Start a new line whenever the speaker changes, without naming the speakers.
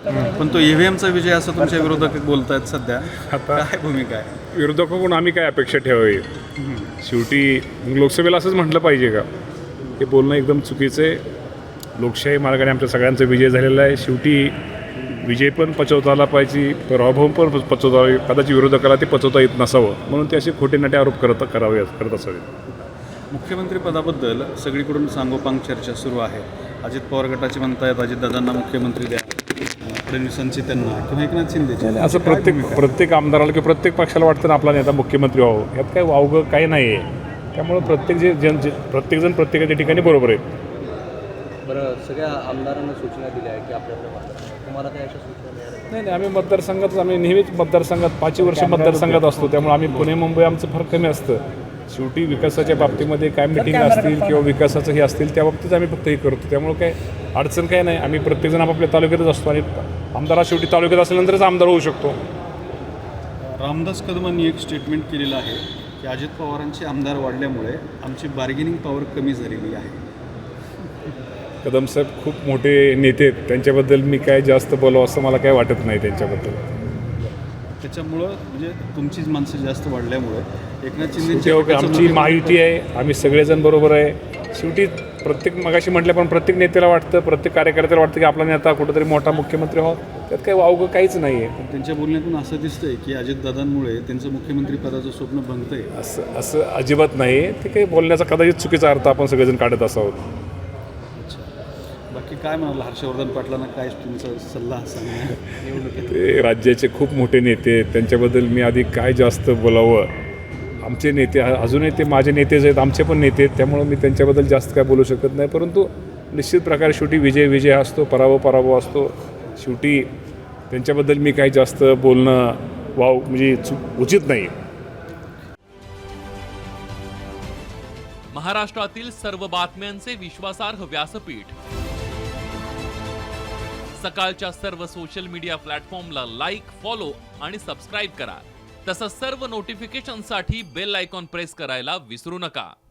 पण तो ईव्हीएमचा विजय असं तुमच्या विरोधक बोलतायत सध्या.
आता
काय भूमिका आहे?
विरोधकाकडून आम्ही काय अपेक्षा ठेवावी? शेवटी लोकसभेला असंच म्हटलं पाहिजे का? हे बोलणं एकदम चुकीचं आहे. लोकशाही मार्गाने आमच्या सगळ्यांचा विजय झालेला आहे. शेवटी विजय पण पचवता आला पाहिजे, पराभव पण पचवता, कदाचित विरोधकाला ते पचवता येत नसावं म्हणून ते असे खोटे नाटे आरोप करत असावे.
मुख्यमंत्री पदाबद्दल सगळीकडून सांगोपांग चर्चा सुरू आहे. अजित पवार गटाचे म्हणतायत अजितदादांना मुख्यमंत्री द्या, फडणवीसांची त्यांना किंवा एकनाथ शिंदेचे.
असं प्रत्येक आमदाराला किंवा प्रत्येक पक्षाला वाटतं ना आपला नेता मुख्यमंत्री व्हावं. यात काही वावगं काही नाही आहे. त्यामुळं प्रत्येकजण प्रत्येकाच्या ठिकाणी बरोबर आहे.
बरं, सगळ्या आमदारांना सूचना दिल्या आहे की आपल्याकडे तुम्हाला काही अशा सूचना मिळाल्या?
नाही, आम्ही नेहमीच मतदारसंघात 5 वर्ष मतदारसंघात असतो. त्यामुळे आम्ही पुणे मुंबई आमचं फार कमी असतं. शेवटी विकासाच्या बाबतीमध्ये काय मिटिंग असतील किंवा विकासाचं हे असतील त्या बाबतीत आम्ही फक्त हे करतो. त्यामुळे काय अडचण काय नाही. आम्ही प्रत्येकजण आपापल्या तालुक्यातच असतो आणि आमदार शेवटी तालुक्यात असल्यानंतरच आमदार होऊ शकतो.
रामदास कदमांनी एक स्टेटमेंट केलेलं आहे की अजित पवारांचे आमदार वाढल्यामुळे आमची बार्गेनिंग पॉवर कमी झालेली आहे.
कदम साहेब खूप मोठे नेते आहेत. त्यांच्याबद्दल मी काय जास्त बोलावं असं मला काय वाटत नाही त्यांच्याबद्दल.
त्याच्यामुळं म्हणजे तुमचीच माणसं जास्त वाढल्यामुळे एकनाथ
शेवटी
शिंदे
आमची महायुती आहे. आम्ही सगळेजण बरोबर आहे. शेवटी मगाशी म्हटलं पण प्रत्येक नेत्याला वाटतं, प्रत्येक कार्यकर्त्याला वाटतं की आपला नेता कुठंतरी मोठा मुख्यमंत्री व्हावा. त्यात काही वावगं काहीच नाही आहे.
त्यांच्या बोलण्यातून असं दिसतंय की अजितदादांमुळे त्यांचं मुख्यमंत्री पदाचं स्वप्न भंगतंय.
असं अजिबात नाही. ते काही बोलण्याचा कदाचित चुकीचा अर्थ आपण सगळेजण काढत असावं.
बाकी काय म्हणाल हर्षवर्धन पाटलांना काय तुमचा सल्ला सांगणार निवडणुकीत?
ते राज्याचे खूप मोठे नेते आहेत. त्यांच्याबद्दल मी आधी काय जास्त बोलावं. आमचे नेते अजूनही ते माझे नेतेच आहेत, आमचे पण नेते आहेत. त्यामुळं मी त्यांच्याबद्दल जास्त काय बोलू शकत नाही. परंतु निश्चित प्रकारे शेवटी विजय असतो, पराभव असतो. शेवटी त्यांच्याबद्दल मी काही जास्त बोलणं म्हणजे उचित नाही.
महाराष्ट्रातील सर्व बातम्यांचे विश्वासार्ह व्यासपीठ, सकाळच्या सर्व सोशल मीडिया प्लॅटफॉर्मला लाईक, फॉलो आणि सबस्क्राईब करा. तसंच सर्व नोटिफिकेशनसाठी बेल आयकॉन प्रेस करायला विसरू नका.